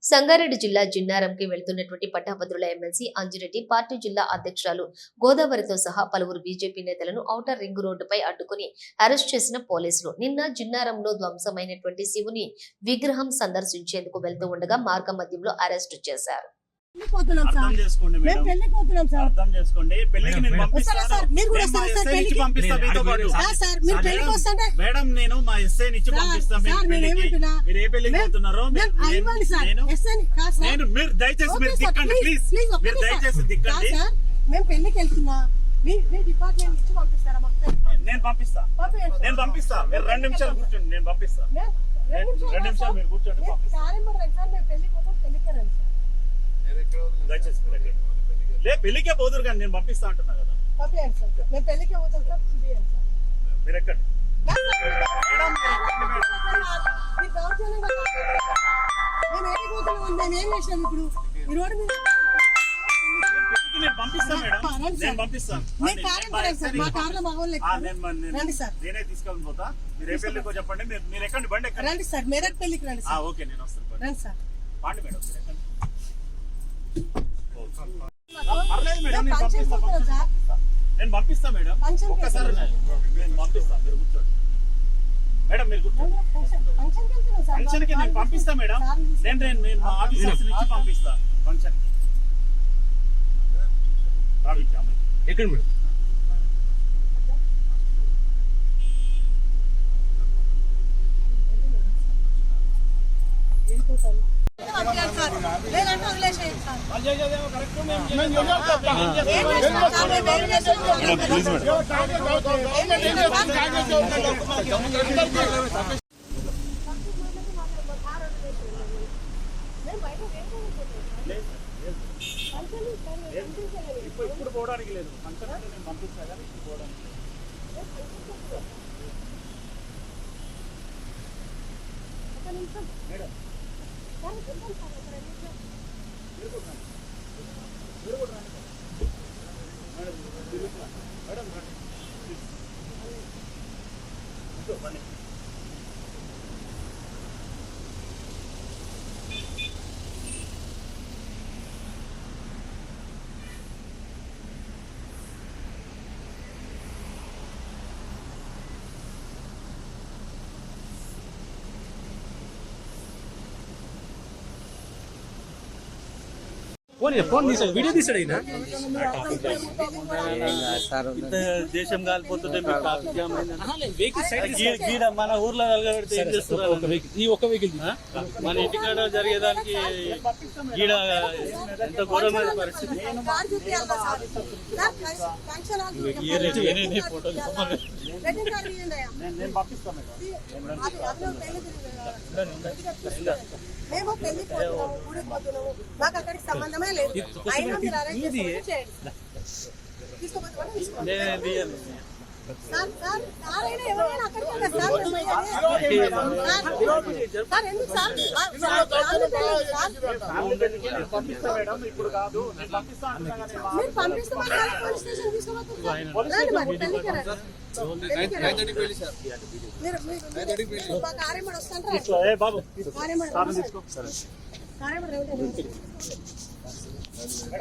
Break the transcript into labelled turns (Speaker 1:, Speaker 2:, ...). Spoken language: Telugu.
Speaker 1: సంగారెడ్డి జిల్లా జిన్నారంకి వెళ్తున్నటువంటి పట్టభద్రుల ఎమ్మెల్సీ అంజిరెడ్డి పార్టీ జిల్లా అధ్యక్షురాలు గోదావరితో సహా పలువురు బీజేపీ నేతలను ఔటర్ రింగ్ రోడ్డుపై అడ్డుకుని అరెస్ట్ చేసిన పోలీసులు నిన్న జిన్నారంలో ధ్వంసమైనటువంటి శివుని విగ్రహం సందర్శించేందుకు వెళ్తూ ఉండగా మార్గ మధ్యంలో అరెస్టు చేశారు.
Speaker 2: అర్థం చేసుకోండి మేడం, అర్థం చేసుకోండి. పెళ్లికి నేను పంపిస్తాను మేడం, నేను మా ఎస్ఐ నుంచి పంపిస్తాను. మీరు ఏ పెళ్లికి పోతున్నారో నేను మీరు దయచేసి మీరు దిక్కండి ప్లీజ్, మీరు దయచేసి దిక్కండి.
Speaker 3: మేము పెళ్లికి వెళ్తున్నా,
Speaker 2: నేను పంపిస్తా. మీరు 2 నిమిషాలు కూర్చోండి, నేను పంపిస్తా. 2 నిమిషాలు మీరు కూర్చోండి, పంపిస్తా. దయచేసి పెళ్లికే పోదురు కానీ నేను పంపిస్తా అంటున్నా కదా. మీరు ఎక్కండి. నేను పంపిస్తా మేడం, నేను పంపిస్తాను. నేనే తీసుకొని పోతా. మీరు ఏ పెళ్లికో చెప్పండి, మీరు ఎక్కండి, బండి ఎక్కండి
Speaker 3: సార్. మెదక్ పెళ్లికి రండి.
Speaker 2: ఓకే, నేను వస్తాను సార్. పండి మేడం, మీరు ఎక్కండి. పర్లేదు మేడం, నేను పంపిస్తా మేడం. ఒక్కసారి నేను పంపిస్తా, మీరు కూర్చోండి మేడం, మీరు కూర్చోండి. ఫంక్షన్కి నేను పంపిస్తా మేడం, నేను మా ఆఫీసర్స్ నుంచి పంపిస్తా ఫంక్షన్కి.
Speaker 4: ఎక్కడ మేడం?
Speaker 2: ఇప్పుడు పోవడానికి లేదు, ఫంక్షన్ అంటే నేను పంపిస్తా కానీ ఇప్పుడు పోవడానికి మేడం.
Speaker 4: ఫోన్ తీసాడు, వీడియో తీసాడు. అయినా దేశం కాలిపోతుంటే మన ఊర్లో వెళ్తే ఏం చేస్తున్నారు? ఈ ఒక్క వెహికల్ మన ఇంటికాడ జరిగేదానికి గీడ ఎంత ఘోరమైన పరిస్థితి. ఫోటోలు
Speaker 3: మేము పెళ్లి పోతున్నాము, మాకు అక్కడికి సంబంధమే లేదు.
Speaker 2: ఇప్పుడు కాదు,
Speaker 3: మీరు పంపిస్తామని పోలీస్ స్టేషన్ తీసుకోబోతున్నారు. కార్యమడి వస్తాను.